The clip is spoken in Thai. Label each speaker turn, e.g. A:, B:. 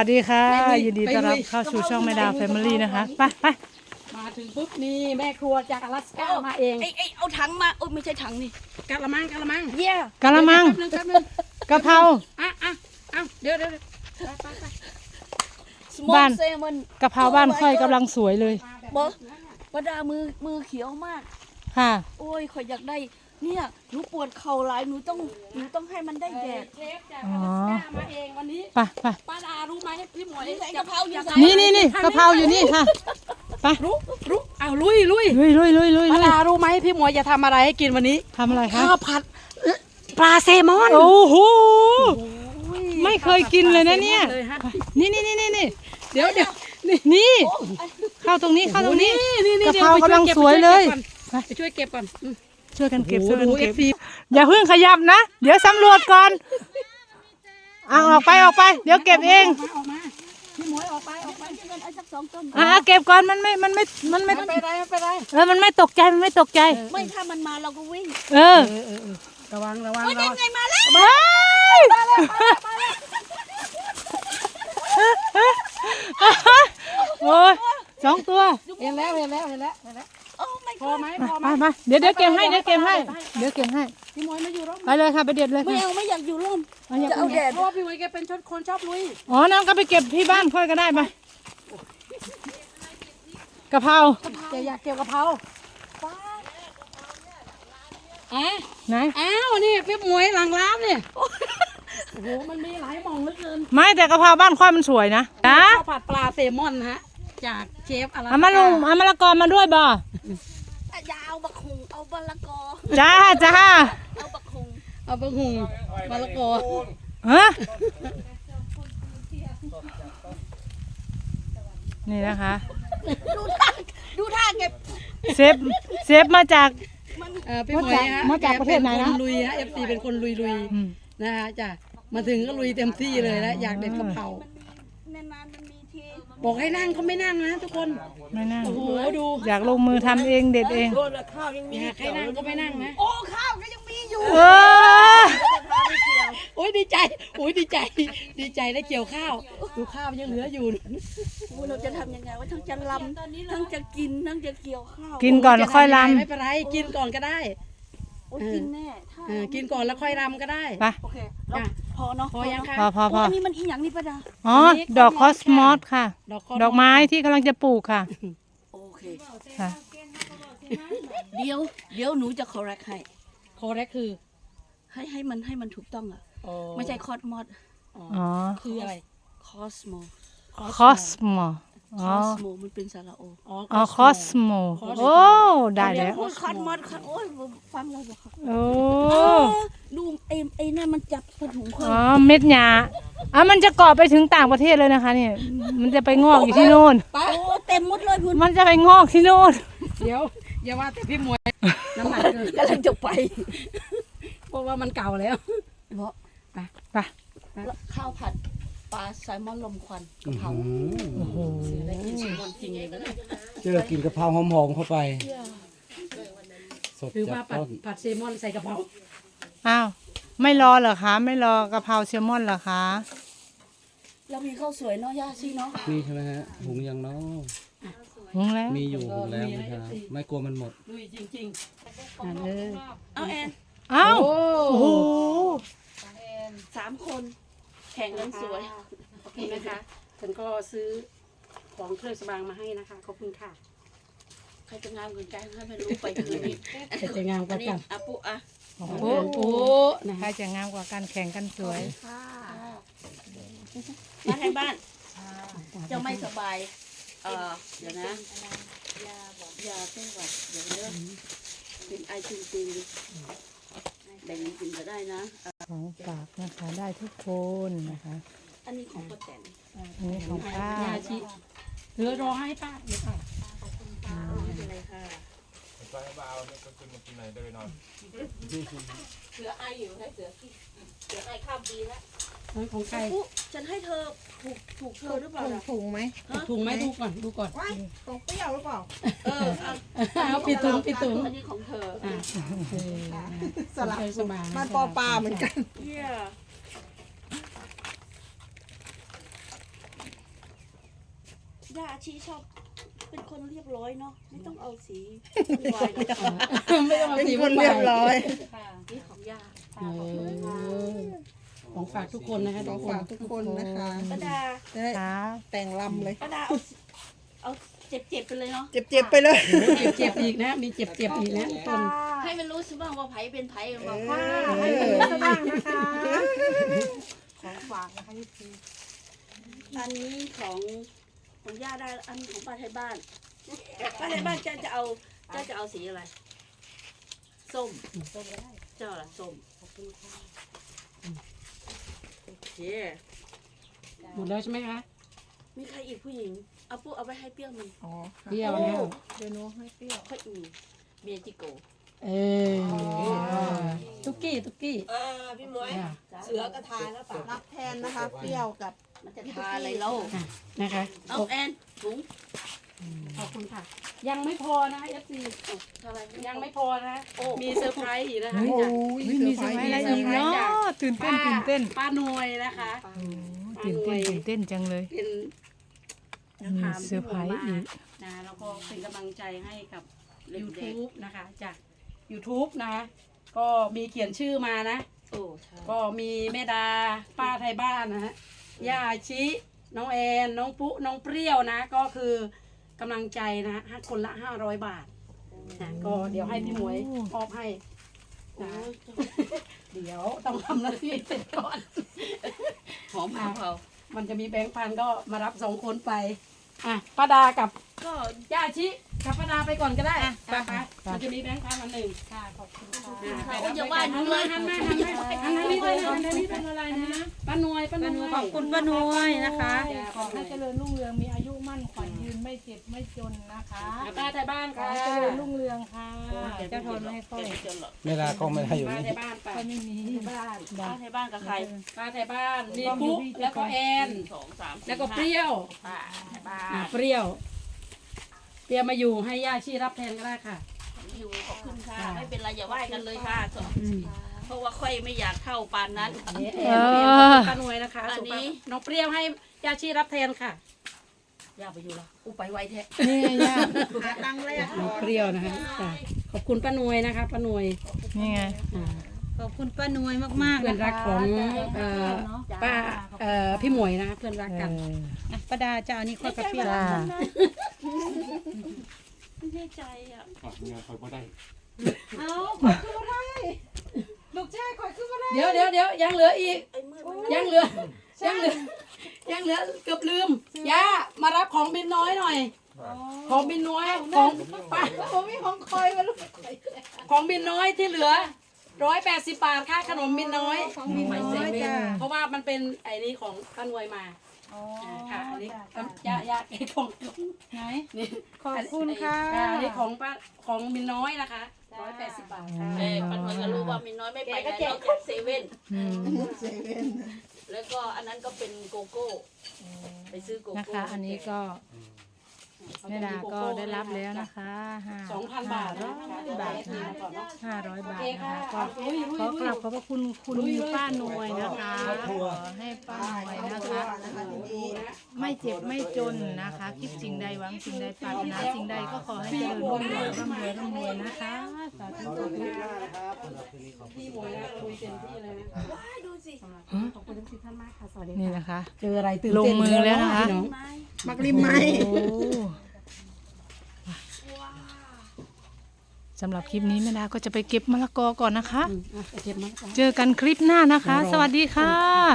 A: วัสดีค่ะยินดีต้อนรับเข้าสู่ช่องแม่ดาวแฟมิลี่นะคะไป
B: มาถึงปุ๊บนี่แม่ครัวจากอลาสก้ามาเอง
C: เอาถังมาโอ้ไม่ใช่ถังนี่
B: กะละมัง
C: เยี่ย
A: กะละมัง
B: แป๊บนึง
A: กะเพรา
B: เดี๋ยว
A: บ้านกะเพราบ้านค่อยกำลังสวยเลย
C: บอกว่าดามือเขียวมาก
A: ค่ะ
C: โอ้ยข่อยอยากได้เนี่ยหนูปวดเข่าหลายหนูต้องให้มันได้แดด
B: เชฟจากอลาสก้ามาเองวันนี้
A: ไป
B: ป้าดารู้ไหมพี่หมวย
C: กะเพราอยู่ไห
A: นนี่กะเพราอยู่นี่ค่ะไป
B: รู้เอาลุยป้าดารู้ไหมพี่หมวยจะทำอะไรให้กินวันนี้
A: ทำอะไรคะ
B: ข้าวผัดปลาแซลมอน
A: โอ้โหไม่เคยกินเลยนะเนี่ยนี่เดี๋ยวนี่เข้าตรงนี้กะเพรากำลังสวยเลย
B: ไปช่วยเก็บก่อน
A: ช่วยกันเก็บอย่าเพิ่งขยับนะเดี๋ยวสำรวจก่อนออกไปเดี๋ยวเก็บเอง
B: ออกมาพี่หมวยออกไป
C: เอาสัก2 ต้น
A: เก็บก่อนมันไม่
B: ไปไร
A: มันไม่ตกใจ
C: ไม่ถ้ามันมาเราก็วิ่ง
B: ระวัง
C: ยังไงมาแล้ว
A: โอ้ย2 ตัว
B: เห็นแล้วพอไหม
A: มาเดี๋ยวเก็บให้
B: พี่หมวยมาอยู่ร่ม
A: ไปเลยค่ะไปเด็ดเลย
C: ไม่อยากอยู่ร่มจะเอาแดด
B: เพราะว่าพี่หมวยแกเป็นคนชอบลุย
A: น้องก็ไปเก็บที่บ้านค่อยก็ได้ไปกะเพรา
B: อยากเก็บกะเพรา
A: ไหน
B: นี่พี่หมวยหลังร้านเนี่ยโอ้โหมันมีหลายหม่องเหลือเกิน
A: ไม่แต่กะเพราบ้านค่อยมันสวยนะ
B: ข้าวผัดปลาแซลมอนฮะจากเชฟอะไร
A: เอามะละกอมาด้วยบ่
C: ยาวบักหุงเอามะละกอ
A: จ้า
C: เอาบักหุง
B: มะละกอ
A: นี่นะคะ
C: ดูท่าเก็บ
A: เซฟมาจาก
B: พี่หมวยฮะ
A: มาจากประเทศไหนนะ
B: ลุยฮะ FC เป็นคนลุยนะคะจ้ะมาถึงก็ลุยเต็มที่เลยแล้วอยากเด็ดกะเพรานานๆมันมีทีบอกให้นั่งเขาไม่นั่งนะทุกคน
A: ไม่นั่ง
B: โอ้โหดู
A: อยากลงมือทำเองเด็ดเอง
B: อยากให้นั่งก็ไม่นั่งนะ
C: โอ้ข้าวก็ยังมีอยู่
B: โอ้ยดีใจได้เกี่ยวข้าวดูข้าวยังเหลืออยู่
C: เราจะทำยังไงว่าทั้งจะลำทั้งจะกินทั้งจะเกี่ยวข้าว
A: กินก่อนแล้วค่อยลำ
B: ไม่เป็นไรกินก่อนก็ได้
C: กินแน่
B: กินก่อนแล้วค่อยรำก็ได้
A: ไป
C: โอเคพอเนาะ
B: พอยังคะ
A: พอ
C: อันนี้มันอีหยังนี่ป้าดา
A: ดอกคอสมอสค่ะดอกไม้ที่กำลังจะปลูกค่ะ
C: โอเค
A: ค่ะ
C: เดี๋ยวหนูจะคอร์เรคให้
B: คือ
C: ให้มันถูกต้องอ่ะไม่ใช่คอสมอส
B: คืออะไร
C: คอสโมมันเป็นสระโอ
A: คอสโมโอ้ได้แล้ว
C: คอสมอสโอ้ยฟังเราบอก
A: โอ้
C: ดูไอ้นั่นมันจับถุงคน
A: เม็ดหญ้ามันจะเกาะไปถึงต่างประเทศเลยนะคะเนี่ยมันจะไปงอกอยู่ที่โน่น
C: โอ้เต็มหมดเลยคุณ
A: มันจะไปงอกที่โน่น
B: เดี๋ยวอย่าว่าแต่พี่มวยน้ำหนักเกิน
C: กำลังจะไป
B: เพราะว่ามันเก่าแล้ว
A: ไป
C: ข้าวผัดปลาแซลมอนลมควันกะเพรา
A: โอ้โห
C: ได้กินแซลมอนจริงเลยนะ
D: กินกะเพราหอมๆเข้าไป
B: สดจากต้นผัดแซลมอนใส่กะเพรา
A: ไม่รอเหรอคะไม่รอกะเพราแซลมอนเหรอคะ
C: เรามีข้าวสวยเนาะย่าซี่เนาะ
D: นี่ใช่ไหมฮะหุงยังเนาะ
A: หุงแล้ว
D: มีอยู่หุงแล้วนะครับไม่กลัวมันหมด
B: ลุยจริงๆ
C: เอาแอน
A: โอ้โห
C: 3 คนแข่งกันสวย
B: โอเคนะคะฉันก็ซื้อของเครื่องสำอางมาให้นะคะขอบคุณค่ะ
C: ใครจะงามกว่ากันให้ไม่รู้ไปคืนนี้
B: ใครจะงามกว่ากัน
C: ปุ๊
A: โอ้ใครจะงามกว่ากันแข่งกันสวย
C: มาทางบ้านเจ้าไม่สบายเดี๋ยวนะยาแก้หวัดเดี๋ยวเริ่มเป็นไอจริงๆแบ่งกินก็ได้นะ
A: ของฝากนะคะได้ทุกคนนะคะ
C: อันนี้ของป้าแตน
A: อันนี้ของป้า
B: เหลือรอให้ป้าเดี๋ยวค่ะ
C: ขอบคุณป้าไม่เป็นไรค่ะ
E: ไปให้บ้าเอาคนมากินไหนเดินนอน
C: เสือไออยู่ให้เสือไอข้ามปีแล้ว
B: ของใคร
C: ฉันให้เธอถูกเธอหรือเปล่า
A: ถุงไหม
B: ดูก่อน
F: ของเปรี้ยวหรือเปล่า
B: เอาปิดถุง
C: อันนี้ของเธอ
F: สลับมันปลาเหมือนกัน
C: ย่าอาชีชอบเป็นคนเรียบร้อยเนาะไม่ต้องเอาสีวายหรอก
B: ไม่ต้องเอา
F: เป็น
B: สี
F: คนเรียบร้อย
C: นี่ของย่า
B: ของฝากทุกคนนะคะ
F: ขอฝากทุกคนนะคะ
C: ป้าดา
F: จะได้
A: ค่ะ
F: แต่งลำเลย
C: ป้าดาเอาเจ็บๆไปเลยเนาะ
F: เจ็บๆไปเลย
B: เจ็บอีกนะ มีเจ็บอีกนะทุกคน
C: ให้มันรู้สิบ้างว่าไผเป็นไผกันบ้าง
A: ให้เป็นบ้างนะคะของฝากนะคะพี่พี
C: อันนี้ของย่าได้อันของป้าไทยบ้านป้าไทยบ้านจะเอาสีอะไรส้มก็ได้เจ้าล่ะส้มโอเค
B: หมดแล้วใช่ไหมคะ
C: มีใครอีกผู้หญิงเอาปุ๊เอาไปให้เปรี้ยวมัน
F: อ๋อ
B: เปรี้ยวแล้ว
F: เดี๋ยวหนูให้เปรี้ยว
C: ค่อยเมียจิโก
B: เออตุ๊กกี้
F: พี่มวยเสือกระทานแล้วป่ะรับแทนนะคะ เปรี้ยวกับ
C: มันจะทาอะไรเล่า
B: นะคะ
C: เอาแอนถุง
B: ขอบคุณค่ะ ยังไม่พอนะ FC
C: ทาอะไร
B: ยังไม่พอนะ มีเซอร์ไพรส์อีกนะคะ
F: โอ้ย
A: เฮ้ยมีสมัยอะไรอีกเนาะตื่นเต้นตื่นเต้น
B: ป้าหน่วยนะคะ
A: โอ้ตื่นเต้นตื่นเต้นจังเลย
B: เป็น
A: มีเซอร์ไพรส์อีก
B: นะแล้วก็เป็นกำลังใจให้กับ YouTube นะคะจาก YouTube นะคะก็มีเขียนชื่อมานะ
C: โอ้ใช่
B: ก็มีแม่ดาป้าไทยบ้านนะฮะย่าชิน้องแอนน้องปุ๊น้องเปรี้ยวนะ ก็คือกำลังใจนะให้คนละ500 บาทนะก็เดี๋ยวให้พี่หมวยมอบให้นะเดี๋ยวต้องทำหน้าที่เสร็จก่อน
C: หอมเผา
B: มันจะมีแบงค์พันก็มารับ2 คนไปอ่ะป้าดากับ
C: ก็
B: ย่าชิกับป้าดาไปก่อนก็ได้ไปมันจะมีแบงค์พันอันหนึ่ง
A: ค่ะขอบคุณค่ะ
C: เขาอย่าว่าหนูเลย
B: หันมานี่เลยหันมานี่เป็นอะไรนะป้าหน่วยป้าหน่วย
A: ขอบคุณป้านวยนะคะ
B: ขอให้เจริญรุ่งเรืองมีอายุมั่นขวัญยืนไม่เจ็บไม่จนนะคะป้าไทยบ้าน
A: ขอ
B: ค่ะ
A: ให้เจริญรุ่งเรืองค่ะเจ้าทนไม่ให้ค่อย
D: ไม่ลาก็ไม่ได้อยู่
B: ป้า
D: นี่
B: ไทยบ้านไป
A: ค่อยไม่มี
B: บ้าน
C: ป้าไทยบ้านกับใคร
B: ป้าไทยบ้านมีปุ๊แล้วก็แอน
C: 2 3
B: แล้วก็เปรี้ยว
C: ป้าไทยบ้าน
B: เปรี้ยวมาอยู่ให้ย่าชีรับแทนก็ได้ค่ะ
C: อยู่ขอบคุณค่ะไม่เป็นไรอย่าไหว้กันเลยค่ะเพราะว่าค่อยไม่อยากเข้าปานนั้น
B: แอนป้าหน่วยนะคะ
C: อันนี้
B: น้องเปรี้ยวให้ย่าชีรับแทนค่ะ
C: อย่าไปอยู่ละอุไปไวแท้
A: นี่ไงย่า
F: หาตังค์แรก
B: น้องเปรี้ยวนะคะจ้ะขอบคุณป้าหน่วยนะคะป้าหน่วย
A: นี่ไง
B: อ่า
A: ขอบคุณป้านวยมากๆ
B: เพื่อนรักของป้าพี่หมวยนะเพื่อนรักกัน
A: ป้าดาจะเอานี่ค่อยกระเพีย
C: ไม่แน่ใจอ่ะ
E: เงินคอยบ่ได้
A: เอาขอยคืออะไรลูกชายขอยคืออะไร
B: เดี๋ยวยังเหลืออีก
C: ไอ้มืดมัน
B: ยังเหลือเกือบลืมย่ามารับของบินน้อยหน่อย ของบินน้อยของป้า
A: ผมมีของคอยมาลูก
B: ของบินน้อยที่เหลือ180 บาทค่าขนมบินน้อย
A: ของมีน้อยจ้ะ
B: เพราะว่ามันเป็นไอ้นี้ของป้านวยมา
A: อ๋อ
B: ค่ะอันนี้ย่าไอ้ของ
A: ไหน
B: นี่
A: ขอบคุณค่ะ
B: อันนี้ของบินน้อยนะคะ180 บาทค่ะ
C: ปันวันก็รู้ว่ามีน้อยไม่ไปไหนนอกจากเซเว่น
F: เซเว่น
C: แล้วก็อันนั้นก็เป็นโกโก้ไปซื้อโก
A: นะ
C: โก้
A: คะ อันนี้ก็แม่ดาก็ได้รับแล้วนะคะ
B: 2,000 บาทนะ
A: บาทนะ
B: ก่อนเนาะ
A: 500 บาท
B: โอเค
A: นะ
B: ค่ะ
A: คะก็ขอกราบขอบพระคุณคุณป้าหน่วยนะคะขอให้ป้าหน่วยนะคะ
F: นะคะทีนี้
A: ไม่เจ็บไม่จนนะคะคิดสิ่งใดหวังสิ่งใดปรารถนาสิ่งใดก็ขอให้เจริญรุ่งเรืองร่ำรวยร่ำรวยนะคะสาธุสาธุ
B: พี่หมวยนะคุยเต็มที่เลยนะ
C: ดูสิ
B: ขอบคุณทุกท่านมากค่ะสวัสดี
A: นี่
B: ค่ะ
A: นะคะ
B: เจออะไรตื่น
A: ลง
B: เต้น
A: มือแล้วนะคะ
B: พี่น้อง
C: ไม้
F: มักริมไหม
A: โอ้สำหรับคลิปนี้แม่ดาก็จะไปเก็บมะละกอก่อนนะคะ
B: เก็บมา
A: เจอกันคลิปหน้านะคะ สวัสดีค่ะ